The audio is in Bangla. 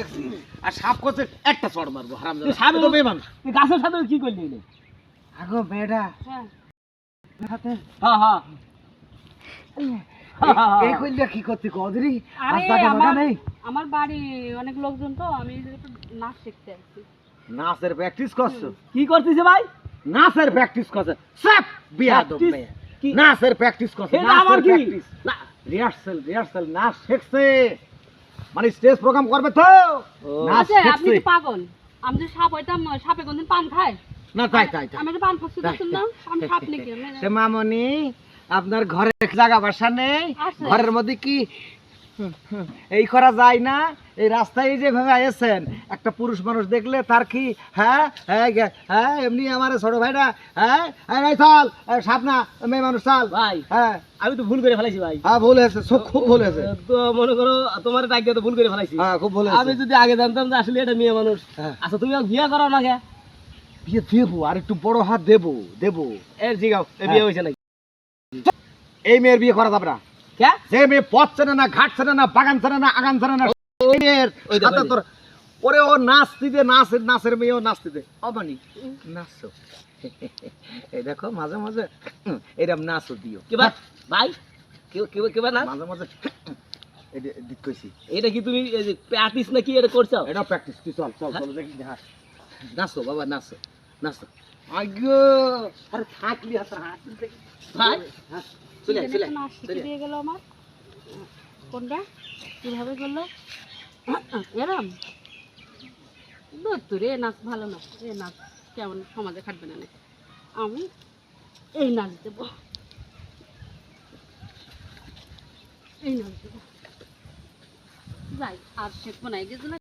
দেখছি আর সাপ করছে একটা চড় মারবো হারামজাদা সাপ তো বেমান তুই গাছের সাথে কি করলি রে? আগো মেয়েটা হ্যাঁ হাতে হ্যাঁ হ্যাঁ এই কইলা কি করতে কদরি আর আরে জায়গা মাগা নেই আমার বাড়ি অনেক লোকজন তো আমি একটু নাচ শিখতে আসছি। নাচের প্র্যাকটিস করছো কি করতেছে ভাই? নাচের প্র্যাকটিস করছে সব বিয়া দো Practice? কি? নাচের প্র্যাকটিস করছে এটা আবার কি? না রিহার্সাল নাচ শিখছে মানে স্টেজ প্রোগ্রাম করবে তো নাচ আচ্ছা আপনি শিখছে তো পাগল। আমি যে সাপ হইতাম সাপে কোনদিন পান খায়? না তাই আমি একটা পান খাচ্ছি দেখুন না আমি সাপ নাকি সে মামনি আপনার ঘরে জায়গা বাসা নেই আছে। ঘরের মধ্যে কি এই করা যায় না এই রাস্তায় যেভাবে আয়েছেন একটা পুরুষ মানুষ দেখলে তার কি হ্যাঁ হ্যাঁ হ্যাঁ এমনি আমার ছোট ভাইরা হ্যাঁ এই চল সাপ না মেয়ে মানুষ চল ভাই হ্যাঁ আমি তো ভুল করে ফেলাইছি ভাই। হ্যাঁ ভুল হয়েছে খুব ভুল হয়েছে তো মনে করো তোমার টাইম তো ভুল করে ফেলাইছি। হ্যাঁ খুব ভুল আমি হয়েছে যদি আগে জানতাম যে আসলে এটা মেয়ে মানুষ। হ্যাঁ। আচ্ছা তুমি বিয়ে করো না কে? বিয়ে দেবো আর একটু বড় হাত দেবো এর জিগাও এ বিয়ে হয়েছে নাকি? এই মেয়ের বিয়ে করা যাবে না কে? যে মেয়ে পথ চেনে না ঘাট চেনে না বাগান চেনে না আগান চেনে না ওই মেয়ের ওই দেখো, সাথে ওই তোর ওরে ও নাচতে দে নাচের মেয়েও নাচতে দে অবানি নাচো এই দেখো মাঝে মাঝে এরকম নাচও দিও কি ভাই? ভাই কি ভাই না? মাঝে মাঝে এই দিক কইছি এটা কি তুমি প্র্যাকটিস নাকি এটা করছো? এটা প্র্যাকটিস তুই চল চল হ্যাঁ? চল দেখি হ্যাঁ নাচো বাবা নাচো আগো আরে থাকলি হাত দেখি ভাই হ্যাঁ চলে আয়, চলে আয়, নাচ শিখে চলে আয়। দিয়ে গেল আমার। কোনটা কিভাবে করলো এরম দূর রে নাচ ভালো না এ নাচ কেমন সমাজে খাটবে না নাকি। আমি এই নাচ দেবো যাই আর শেখবো না এই যে